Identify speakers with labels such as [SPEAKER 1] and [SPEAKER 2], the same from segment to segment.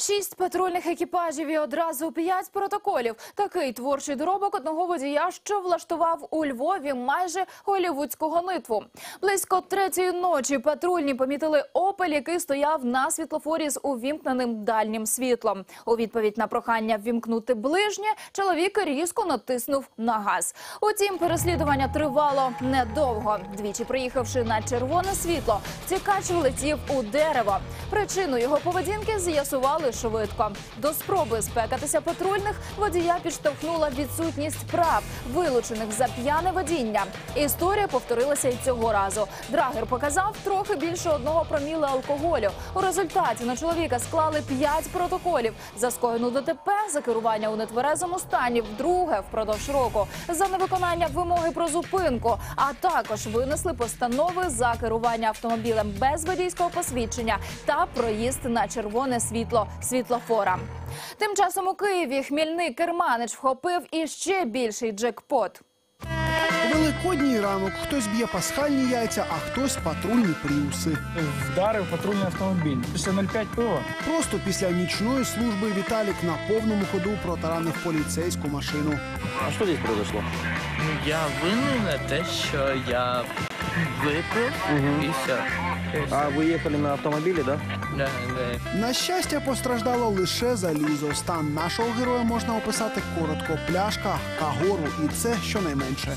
[SPEAKER 1] 6 патрульних екіпажів і одразу 5 протоколів. Такий творчий доробок одного водія, що влаштував у Львові майже голлівудську гонитву. Близько 3-ї ночі патрульні помітили «Опель», який стояв на світлофорі з увімкненим дальнім світлом. У відповідь на прохання ввімкнути ближнє, чоловік різко натиснув на газ. Утім, переслідування тривало недовго. Двічі приїхавши на червоне світло, втікач влетів у дерево. Причину його поведінки з'ясували швидко. До спроби спекатися патрульних водія підштовхнула відсутність прав, вилучених за п'яне водіння. Історія повторилася і цього разу. Драгер показав трохи більше 1 проміла алкоголю. У результаті на чоловіка склали 5 протоколів. За скоєну ДТП, за керування у нетверезому стані вдруге впродовж року, за невиконання вимоги про зупинку, а також винесли постанови за керування автомобілем без водійського посвідчення та проїзд на червоне світло світлофора. Тим часом у Києві хмільний керманич вхопив іще більший джекпот.
[SPEAKER 2] Великодній ранок. Хтось б'є пасхальні яйця, а хтось патрульні пріуси.
[SPEAKER 3] Вдарив патрульний автомобіль. Після 0,5 пива.
[SPEAKER 2] Просто після нічної служби Віталік на повному ходу протаранив поліцейську машину.
[SPEAKER 4] А что здесь произошло?
[SPEAKER 5] Я винен на те, що я випив і все.
[SPEAKER 4] А вы ехали на автомобиле, да?
[SPEAKER 5] Да.
[SPEAKER 2] На щастя, постраждало лише залізо. Стан нашого героя можна описати коротко. Пляшка, кагору і це щонайменше.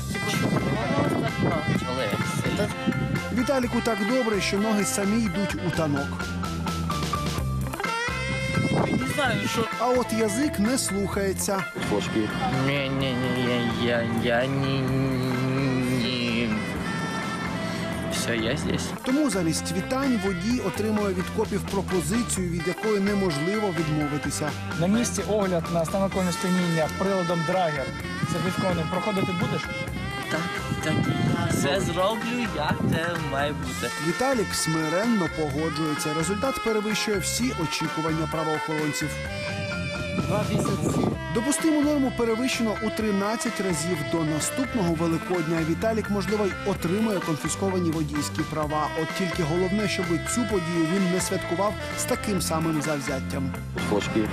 [SPEAKER 2] Віталіку так добре, що ноги самі йдуть у танок.
[SPEAKER 5] Не знаю, що...
[SPEAKER 2] А от язик не слухається.
[SPEAKER 4] Флажки.
[SPEAKER 5] Я не... Все, я здесь.
[SPEAKER 2] Тому замість вітань водій отримує від копів пропозицію, від якої неможливо відмовитися.
[SPEAKER 3] На місці огляд на стан алкогольного сп'яніння приладом Драгер сертифікованим проходити будеш?
[SPEAKER 5] Так, я все зроблю, як це має бути.
[SPEAKER 2] Віталік смиренно погоджується. Результат перевищує всі очікування правоохоронців.
[SPEAKER 5] 2 місяці.
[SPEAKER 2] Допустиму норму перевищено у 13 разів. До наступного Великодня Віталік, можливо, й отримує конфісковані водійські права. От тільки головне, щоб цю подію він не святкував з таким самим завзяттям.
[SPEAKER 4] Флажки.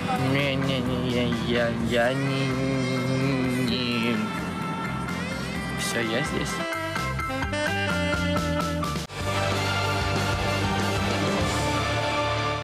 [SPEAKER 5] Я не... Все, я здесь.